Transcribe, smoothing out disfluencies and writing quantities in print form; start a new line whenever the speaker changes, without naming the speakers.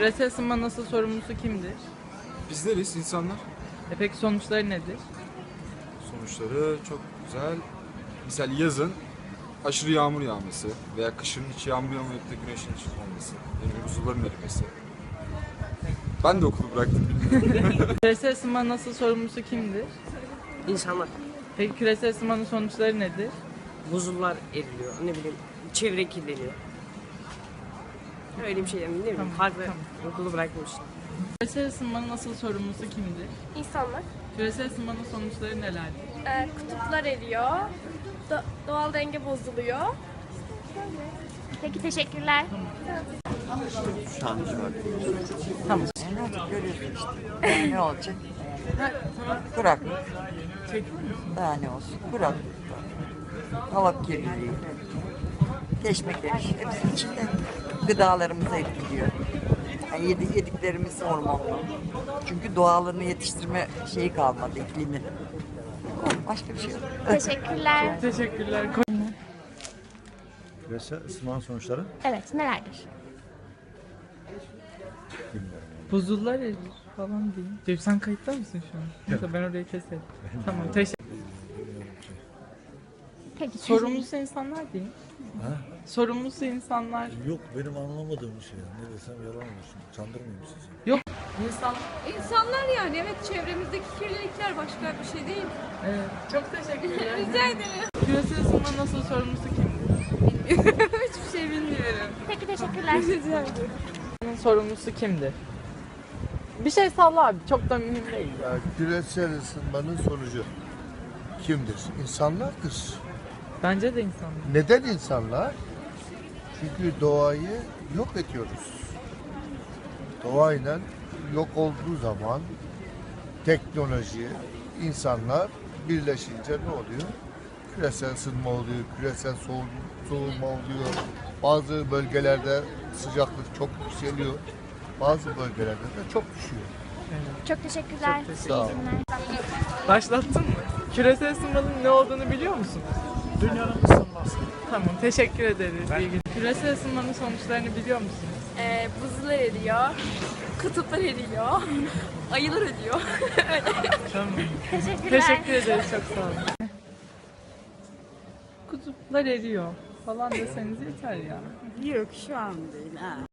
Küresel ısınma nasıl sorumlusu kimdir?
Bizleriz insanlar.
Peki sonuçları nedir?
Sonuçları çok güzel. Misal yazın aşırı yağmur yağması veya kışın hiç yağmur yağmayıp da güneşin çıkmaması, yani buzulların erimesi. Ben de okulu bıraktım.
Küresel ısınma nasıl sorumlusu kimdir?
İnsanlar.
Peki küresel ısınmanın sonuçları nedir?
Buzullar eriliyor, ne bileyim, çevre kirleniyor. Öyle bir şey yani, değil mi?
Tamam,
Farklı
tamam.
okulu bırakmıştım.
Küresel ısınmanın asıl sorumlusu kimdir?
İnsanlar.
Küresel ısınmanın sonuçları nelerdir?
Kutuplar eriyor. Doğal denge bozuluyor.
Peki teşekkürler.
Tamam.
Görüyorsun işte. Daha ne olacak? Kuraklık. Daha ne olsun? Kuraklık. Hava kirliliği. Keşmekeş. Hepsi içinde gıdalarımızı etkiliyor. Yani yediklerimiz hormonlu. Çünkü doğalını yetiştirme şeyi kalmadı, iklimi. Başka bir şey yok.
Teşekkürler.
Teşekkürler.
Küresel ısınmanın sonuçları
Evet, nelerdir?
bilmiyorum.
Buzullar erir falan diyeyim. Cem sen kayıtta mısın şu an? Yoksa ben orayı keserim. Tamam teşekkür.
Peki
Sorumlusu insanlar diyeyim.
Ha?
Sorumlusu insanlar.
Yok benim anlamadığım bir şey. Ne desem yalan olsun. Çandırmayayım sizi.
Yok. İnsan.
İnsanlar yani evet çevremizdeki kirlilikler başka bir şey değil.
Evet. Çok teşekkürler.
Rica ederim.
Küresel ısınma nasıl sorumlusu kimdir?
Hiçbir şey bilmiyorum.
Peki teşekkürler.
Bunun sorumlusu kimdir? Bir şey salla abi. Çok da mühim değil.
Küresel ısınmanın sonucu kimdir? İnsanlardır.
Bence de insanlar.
Neden insanlar? Çünkü doğayı yok ediyoruz. Doğayla yok olduğu zaman teknoloji, insanlar birleşince ne oluyor? Küresel ısınma oluyor, küresel soğuma oluyor. Bazı bölgelerde sıcaklık çok yükseliyor. Bazı bölgelerde de çok düşüyor.
Çok teşekkürler.
Sağ ol.
İyi günler.
Başlattın mı? Küresel ısınmanın ne olduğunu biliyor musun?
Dünyanın ısınması.
Tamam, teşekkür ederiz. İyi günler. Küresel ısınmanın sonuçlarını biliyor musunuz?
Buzullar eriyor. Kutuplar eriyor. Ayılar ölüyor.
Tamam.
Teşekkürler.
Teşekkür ederiz, çok sağ olun. Kutuplar eriyor falan deseniz yeter ya.
Yok şu an değil ha.